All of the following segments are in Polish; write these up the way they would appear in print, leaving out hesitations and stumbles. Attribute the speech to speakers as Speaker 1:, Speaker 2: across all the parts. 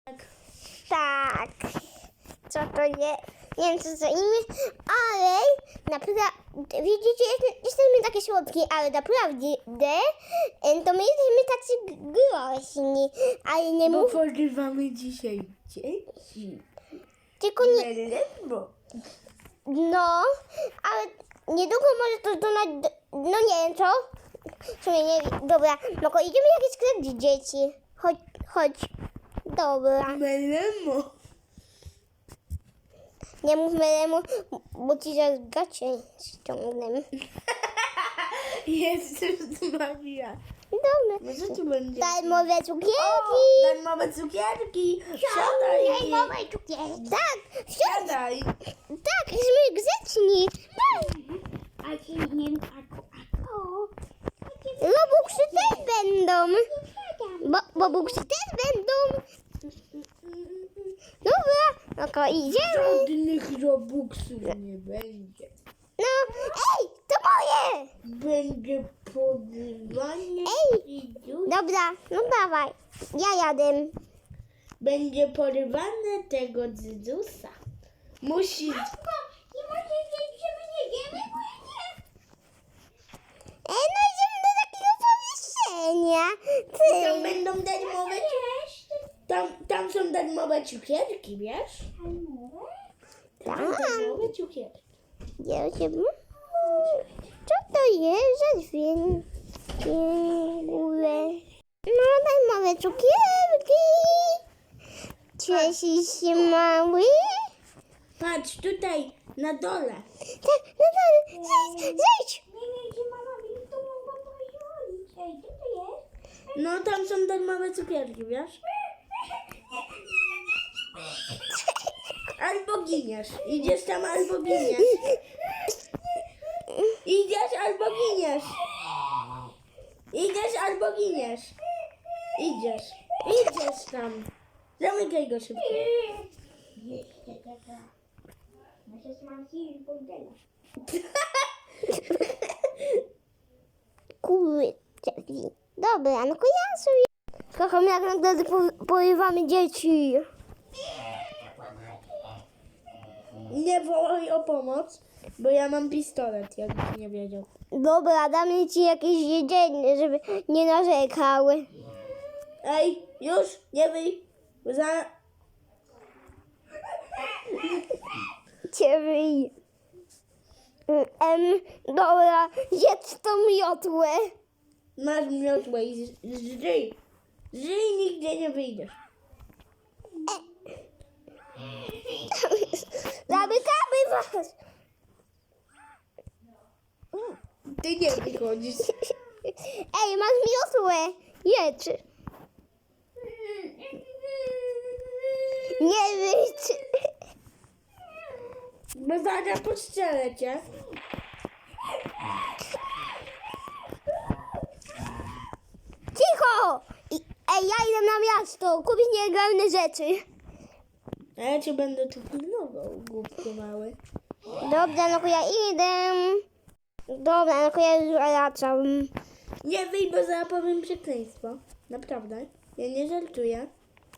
Speaker 1: Tak. Co to jest? Nie wiem, co za imię, ale naprawdę, widzicie, jesteśmy takie słodkie, ale naprawdę, to my jesteśmy tacy groźni, ale nie
Speaker 2: Bo
Speaker 1: mów,
Speaker 2: porywamy dzisiaj dzieci.
Speaker 1: tylko nie,
Speaker 2: Melemo.
Speaker 1: no, ale niedługo może to donać, no nie wiem co, w sumie nie wiem, dobra, no to idziemy jakieś sklep dzieci, chodź, dobra.
Speaker 2: Melemo.
Speaker 1: Nie mów Melemu, bo ci zaraz gacie ściągnę.
Speaker 2: Jezus Maria.
Speaker 1: Dobra.
Speaker 2: No co tu będzie?
Speaker 1: Darmowe cukierki.
Speaker 2: Darmowe cukierki. Siadaj.
Speaker 1: Darmowe cukierki. Tak,
Speaker 2: Siadaj.
Speaker 1: tak, jesteśmy grzeczni.
Speaker 3: A ci nie
Speaker 1: Robuxy też będą. Robuxy też będą. Dobra, no to idziemy.
Speaker 2: Żadnych robuxów nie będzie.
Speaker 1: No, ej, to moje.
Speaker 2: Będzie porywanie
Speaker 1: Ej. Dobra, no dawaj. Ja jadę.
Speaker 2: Będzie porywane tego dzydusa. Musi...
Speaker 3: Nie możesz wiedzieć, że my nie wiemy, bo ja nie.
Speaker 1: No idziemy do takiego pomieszczenia.
Speaker 2: Tam
Speaker 1: Ty.
Speaker 2: będą darmowe... Tam są darmowe cukierki, wiesz?
Speaker 1: Tam.
Speaker 2: Darmowe cukierki.
Speaker 1: Co to jest za dźwięk? No daj małe cukierki. Cieszysz się mały?
Speaker 2: Patrz, tutaj, na dole.
Speaker 1: Tak, no dalej, zejdź.
Speaker 3: Nie wiem, gdzie mama mi to mogła pozwolić. Ej, co to jest?
Speaker 2: No, tam są darmowe cukierki, wiesz? Albo giniesz. Idziesz tam, albo giniesz. Idziesz, albo giniesz. Idziesz, albo giniesz. Idziesz tam. Zamykaj go szybko.
Speaker 3: Jeszcze taka. Nasze smarki i bordela.
Speaker 1: Kurczę. Dobra, no to ja sobie. Kocham, jak nagle porywamy dzieci.
Speaker 2: Nie wołaj o pomoc, bo ja mam pistolet, jakbyś nie wiedział.
Speaker 1: Dobra, damy ci jakieś jedzenie, żeby nie narzekały.
Speaker 2: Ej, już, nie wyj.
Speaker 1: Cię wyj. Dobra, jedz tą miotłę.
Speaker 2: Masz miotłę i żyj. Żyj, nigdzie nie wyjdziesz.
Speaker 1: Zamykamy was.
Speaker 2: Ty nie wychodzisz.
Speaker 1: Ej, masz miotłę. Jedz. Nie wyjdź.
Speaker 2: Bo zaraz postrzelę cię.
Speaker 1: Cicho. Ej, ja idę na miasto kupić nielegalne rzeczy.
Speaker 2: A ja cię będę tu pilnował, głupku mały.
Speaker 1: Dobra, no to ja idę. Dobra, no to ja już wracam.
Speaker 2: Nie wyj, bo zaraz powiem przekleństwo. Naprawdę. Ja nie żartuję.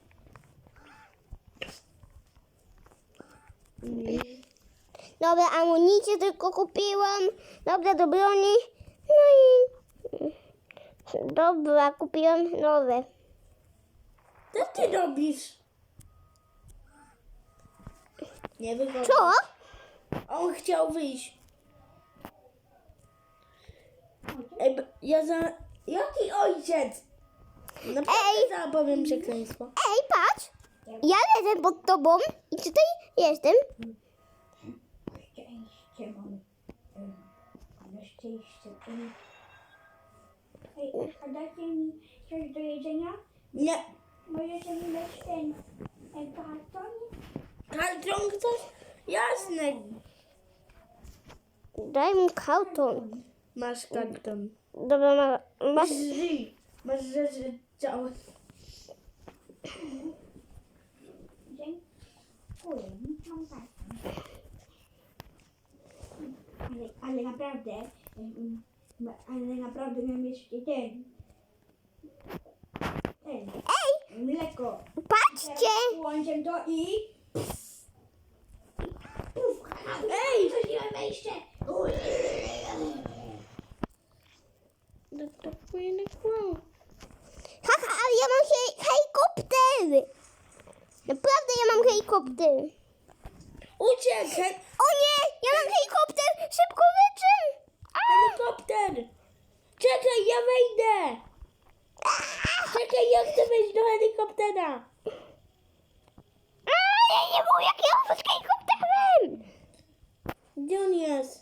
Speaker 1: Dobra, amunicję tylko kupiłam. Dobra, do broni. No i... Dobra, kupiłam nowe.
Speaker 2: Co ty robisz? Nie wychodź.
Speaker 1: Co?
Speaker 2: On chciał wyjść. Ej, Jaki ojciec? Naprawdę zaraz powiem przekleństwo.
Speaker 1: Ej, patrz. Ja lecę pod tobą i tutaj jestem.
Speaker 3: Szczęście mam. Ale szczęście. Ej, a dacie mi coś do jedzenia?
Speaker 2: Nie.
Speaker 3: Możecie mi dać ten karton?
Speaker 2: Karton chcesz? Jasne.
Speaker 1: Daj mi karton.
Speaker 2: Masz karton.
Speaker 1: Dobra, masz...
Speaker 2: Żyj. Masz rzeczy całe.
Speaker 3: Dziękuję, mam karton. Ale naprawdę miałem jeszcze ten.
Speaker 1: Ej,
Speaker 3: Mleko.
Speaker 1: patrz. Sprawdźcie.
Speaker 3: Włączę to i...
Speaker 2: Ej!
Speaker 3: Otworzyłem wejście.
Speaker 2: Dotakuję na kłam.
Speaker 1: Haha, ale ja mam helikopter. Naprawdę ja mam helikopter.
Speaker 2: Uciekaj!
Speaker 1: O nie, ja mam helikopter. Szybko lecę.
Speaker 2: Helikopter! Czekaj, ja wejdę! Czekaj, ja chcę wejść do helikoptera!
Speaker 1: Ja nie mówię, jak ja mam z helikopterem.
Speaker 2: Gdzie on jest?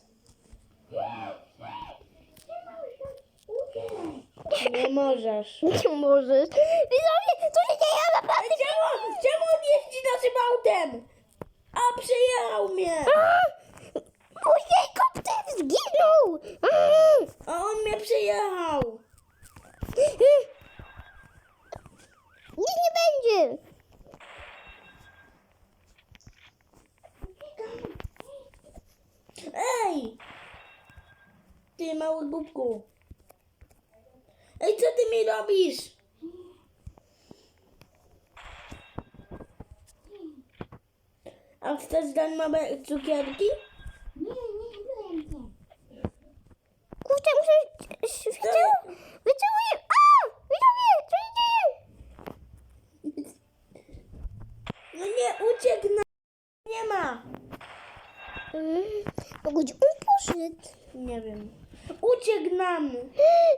Speaker 2: Nie możesz.
Speaker 1: Nie możesz. Widzowie, co się dzieje? Ja naprawdę...
Speaker 2: Czemu on jeździ naszym autem? A, przejechał mnie!
Speaker 1: Mój helikopter zginął.
Speaker 2: A on mnie przejechał!
Speaker 1: Nic nie będzie.
Speaker 2: Ej! Ty mały głupku. Ej, co ty mi robisz? A chcesz dać małe cukierki?
Speaker 3: Nie byłem.
Speaker 1: Kurczę, muszę... Wyceluję... A! Widzowie, co się dzieje?
Speaker 2: No nie, uciekł na... Nie ma.
Speaker 1: Gdzie on poszedł?
Speaker 2: Nie wiem. Uciekł nam.
Speaker 1: Nie,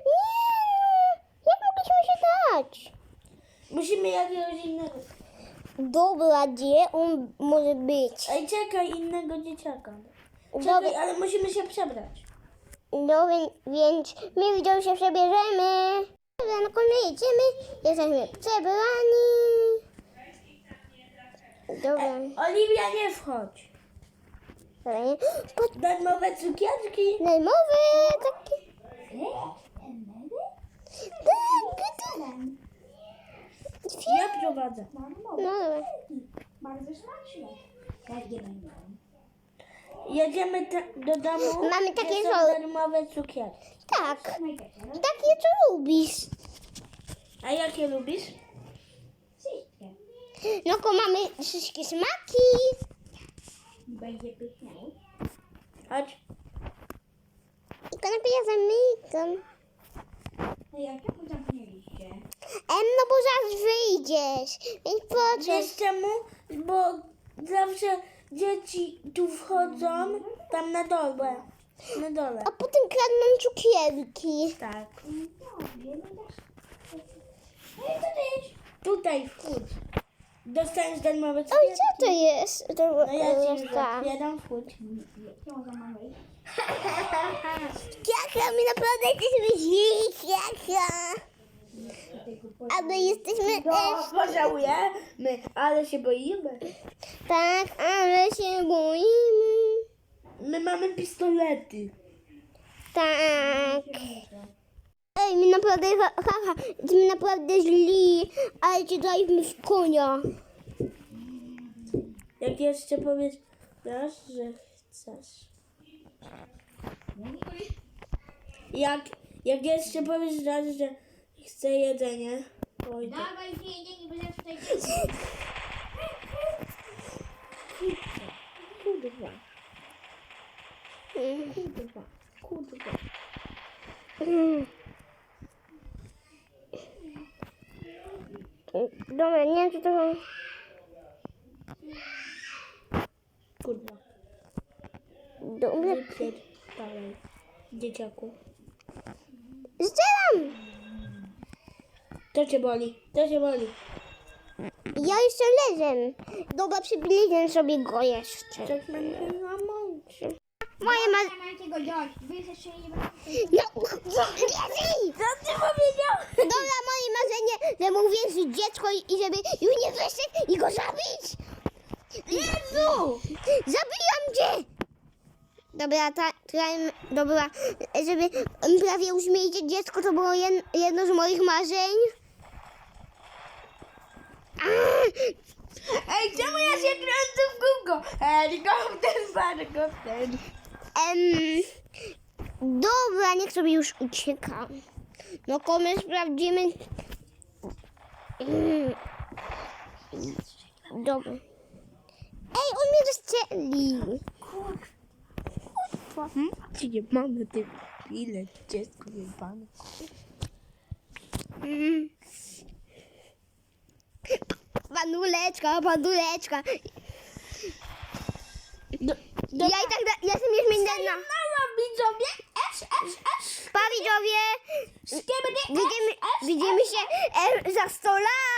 Speaker 1: jak mogliśmy się dać?
Speaker 2: Musimy jakiegoś innego...
Speaker 1: Dobra, gdzie on może być?
Speaker 2: Ej, czekaj, innego dzieciaka.
Speaker 1: Dobra,
Speaker 2: Czekaj, ale musimy się przebrać.
Speaker 1: dobra, więc my widzowie się przebierzemy. Dobra, no kolej idziemy. Jesteśmy przebrani. Dobra.
Speaker 2: Oliwia, nie wchodź.
Speaker 1: Dobra, nie? Patrz,
Speaker 2: Darmowe cukierki.
Speaker 1: najmowy taki. Tak,
Speaker 2: Ja prowadzę.
Speaker 1: no dobra.
Speaker 3: Bardzo smaczne. Jak nie będą.
Speaker 2: Jedziemy do domu.
Speaker 1: Mamy takie
Speaker 2: gdzie są
Speaker 1: żoły.
Speaker 2: darmowe cukierki.
Speaker 1: Tak, takie co lubisz.
Speaker 2: A jakie lubisz?
Speaker 3: Wszystkie.
Speaker 1: No to mamy wszystkie smaki.
Speaker 3: Będzie pyszne.
Speaker 2: Chodź.
Speaker 1: I kanapę ja zamykam.
Speaker 3: No jak to zamknęliście?
Speaker 1: No bo zaraz wyjdziesz. Więc po co?
Speaker 2: Wiesz czemu? Bo zawsze dzieci tu wchodzą tam na dole. Na dole.
Speaker 1: A potem kradną cukierki.
Speaker 2: Tak.
Speaker 3: No, nie dasz. Ej, co to jest?
Speaker 2: Tutaj wchódź. Dostaniesz darmowe
Speaker 1: Oj,
Speaker 2: cukierki.
Speaker 1: co to jest? To
Speaker 2: No ja ci już
Speaker 1: tak.
Speaker 2: otwieram, wchódź.
Speaker 3: Książę mamy.
Speaker 1: Jaka, my naprawdę jesteśmy źli, jaka. Ale jesteśmy
Speaker 2: No,
Speaker 1: też...
Speaker 2: pożałujemy, ale się boimy.
Speaker 1: Tak, ale się boimy.
Speaker 2: My mamy pistolety.
Speaker 1: Tak. Ej, my naprawdę, haha, jesteśmy naprawdę źli, ale cię daliśmy w konia.
Speaker 2: Jak jeszcze powiesz, że chcesz. Jak jeszcze powiesz raz, że chcę jedzenie, pójdę.
Speaker 3: Dawaj, jedzenie, bo tutaj...
Speaker 2: Kurwa. Kurwa. Kurwa.
Speaker 1: Dobra, nie wiem, czy to są...
Speaker 2: Kurwa.
Speaker 1: Dobra,
Speaker 2: Dalej. Dzieciaku.
Speaker 1: strzelam!
Speaker 2: To cię boli. To cię boli.
Speaker 1: Ja jeszcze leżę. Dobra, przybliżę sobie go jeszcze.
Speaker 2: Tak będę na mączy.
Speaker 1: Moje ma...
Speaker 3: Nie macie go wziąć. Wy jeszcze nie będziecie.
Speaker 1: No, Jezu!
Speaker 2: Co ty powiedziałeś?
Speaker 1: Dobra, moje marzenie, żeby uwierzyć dziecko i żeby już nie wyszedł i go zabić. Jezu! Zabijam cię! Dobra, dobra, żeby prawie uśmiejcie dziecko, to było jedno z moich marzeń.
Speaker 2: Ej, czemu ja się kręcę w kółko? Helikopter, helikopter.
Speaker 1: Dobra, niech sobie już ucieka. No, my sprawdzimy. Dobra. Ej, on mnie zastrzelił.
Speaker 2: Ci nie mamy ty ile dziecko jebane.
Speaker 1: Panuleczka, panuleczka.
Speaker 2: No,
Speaker 1: Ja i tak, ja jestem już minęna.
Speaker 2: mała widzowie,
Speaker 1: Pa widzowie, widzimy się za 100 lat.